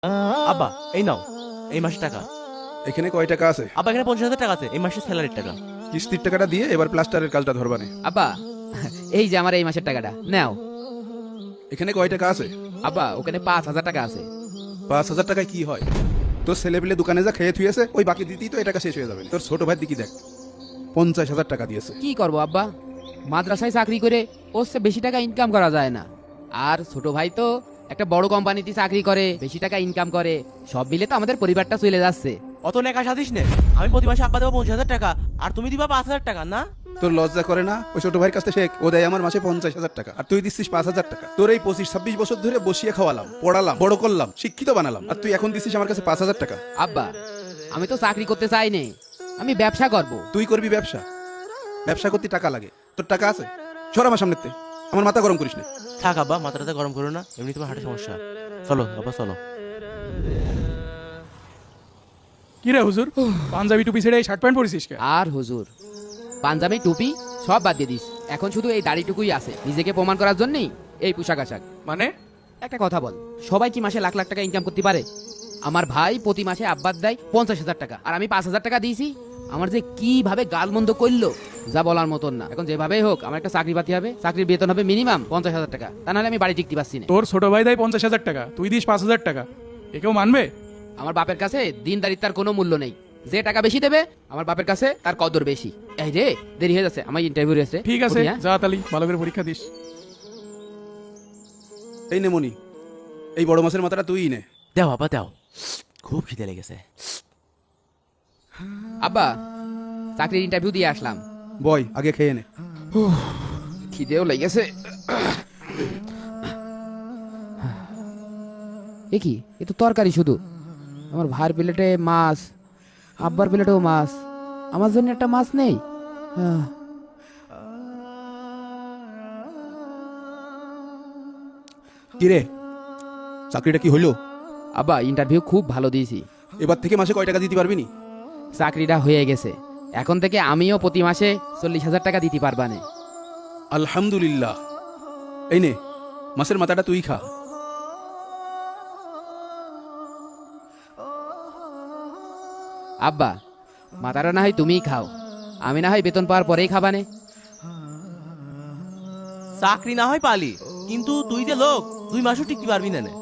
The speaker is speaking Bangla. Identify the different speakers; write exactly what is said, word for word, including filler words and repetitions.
Speaker 1: আব্বা এই নাও এই মাসের টাকা।
Speaker 2: এখানে কয় টাকা আছে?
Speaker 1: আব্বা এখানে পঞ্চাশ হাজার টাকা আছে, এই মাসের স্যালারির টাকা।
Speaker 2: কিস্তির টাকাটা দিয়ে এবার প্লাস্টারের কাজটা ধরবানে।
Speaker 3: আব্বা এই যে আমার এই মাসের টাকাটা নাও।
Speaker 2: এখানে কয় টাকা আছে?
Speaker 3: আব্বা ওখানে পাঁচ হাজার টাকা আছে।
Speaker 2: পাঁচ হাজার টাকায় কি হয়? তোর ছেলে পেলে দোকানে যা খেয়ে থুয়েছে ওই বাকি দিতেই তো এই টাকা শেষ হয়ে যাবে। তোর ছোট ভাই দিকে দেখ পঞ্চাশ হাজার টাকা দিয়েছে।
Speaker 3: কি করব আব্বা, মাদ্রাসায় চাকরি করে ওর চেয়ে বেশি টাকা ইনকাম করা যায় না। আর ছোট ভাই তো একটা বড় কোম্পানিতে চাকরি করে, বেশি টাকা ইনকাম করে। সব মিলে তো আমাদের পরিবারটা চলে যাচ্ছে।
Speaker 1: অত নেকা সাজিস নে। আমি প্রতি মাসে আব্বা দেবো পঞ্চাশ হাজার টাকা আর তুমি দিবা পাঁচ হাজার টাকা না?
Speaker 2: তোর লজ্জা করে না? ওই ছোট ভাইয়ের কাছে শেখ, ও দেয় আমার মাসে পঞ্চাশ হাজার টাকা আর তুই দিচ্ছিস পাঁচ হাজার টাকা। তোর এই পঁচিশ ছাব্বিশ বছর ধরে বসিয়ে খাওয়ালাম, পড়ালাম, বড় করলাম, শিক্ষিত বানালাম, আর তুই এখন দিচ্ছিস আমার কাছে পাঁচ হাজার টাকা।
Speaker 3: আব্বা আমি তো চাকরি করতে চাই নে, আমি ব্যবসা করব।
Speaker 2: তুই করবি ব্যবসা? ব্যবসা করতে টাকা লাগে, তোর টাকা আছে? সর আমার সামনেতে, আমার মাথা গরম করিস না।
Speaker 1: থাক আব্বা, মাথাটা গরম করো না, এমনি তোমার হার্টের সমস্যা। চলো আব্বা চলো।
Speaker 4: কি রে হুজুর, পাঞ্জাবি টুপি ছেড়ে এই শার্ট প্যান্ট পরেছিস কে?
Speaker 3: আর হুজুর পাঞ্জাবি টুপি সব বাদ দিয়ে দিস, এখন শুধু এই দাড়িটুকুই আছে নিজেকে প্রমাণ করার জন্যই এই পোশাক আশাক।
Speaker 4: মানে
Speaker 3: একটা কথা বল, সবাই কি মাসে লাখ লাখ টাকা ইনকাম করতে পারে? আমার ভাই প্রতি মাসে আব্বার দেয় পঞ্চাশ হাজার টাকা আর আমি পাঁচ হাজার টাকা দিয়েছি। আমার যে কিভাবে গালমন্দ করলো যা বলার মতন না। এখন যেভাবেই হোক আমার একটা চাকরি পাতি হবে, চাকরির বেতন হবে মিনিমাম পঞ্চাশ হাজার টাকা, তা নাহলে আমি বাড়ি টিকতে পারছি না।
Speaker 4: তোর ছোট ভাই দেয় পঞ্চাশ হাজার টাকা, তুই দিস পাঁচ হাজার টাকা, একেও মানবে?
Speaker 3: আমার বাপের কাছে দিনদারিতার কোনো মূল্য নেই। যে টাকা বেশি দেবে আমার বাপের কাছে তার কদর বেশি। এই রে দেরি হয়ে যাচ্ছে, আমার ইন্টারভিউ রয়েছে।
Speaker 4: ঠিক আছে
Speaker 3: উঠি, হ্যাঁ?
Speaker 4: যা তালি ভালো করে পরীক্ষা দিস।
Speaker 2: এই নে মনি, এই বড় মাছের মাথাটা তুই নে।
Speaker 1: দেও আব্বা দেও, খুব খিদে লেগেছে।
Speaker 3: আব্বা চাকরির ইন্টারভিউ দিয়ে আসলাম।
Speaker 2: বয় আগে খেয়ে নে।
Speaker 3: খিদেও লেগেছে। এ কি, এ তো তরকারি শুধু। আমার ভাইয়ের প্লেটে মাছ, আব্বার প্লেটেও মাছ, আমার জন্য একটা মাছ নেই। আহ,
Speaker 2: কি রে, চাকরিটা কি হইলো?
Speaker 3: আব্বা ইন্টারভিউ খুব ভালো দিয়েছি।
Speaker 2: এবার থেকে মাসে কয় টাকা দিতে পারবি নি?
Speaker 3: চাকরিটা হয়ে গেছে, এখন থেকে আমিও প্রতি মাসে চল্লিশ হাজার টাকা দিতে পারবানে।
Speaker 2: আলহামদুলিল্লাহ। এই নে মাছের মাথাটা তুই খা।
Speaker 3: আব্বা মাথাটা না হয় তুমিই খাও, আমি না হয় বেতন পাওয়ার পরেই খাবানে।
Speaker 1: চাকরি না হয় পালি, কিন্তু তুই যে লোক দুই মাসও টিকতে পারবি না নে।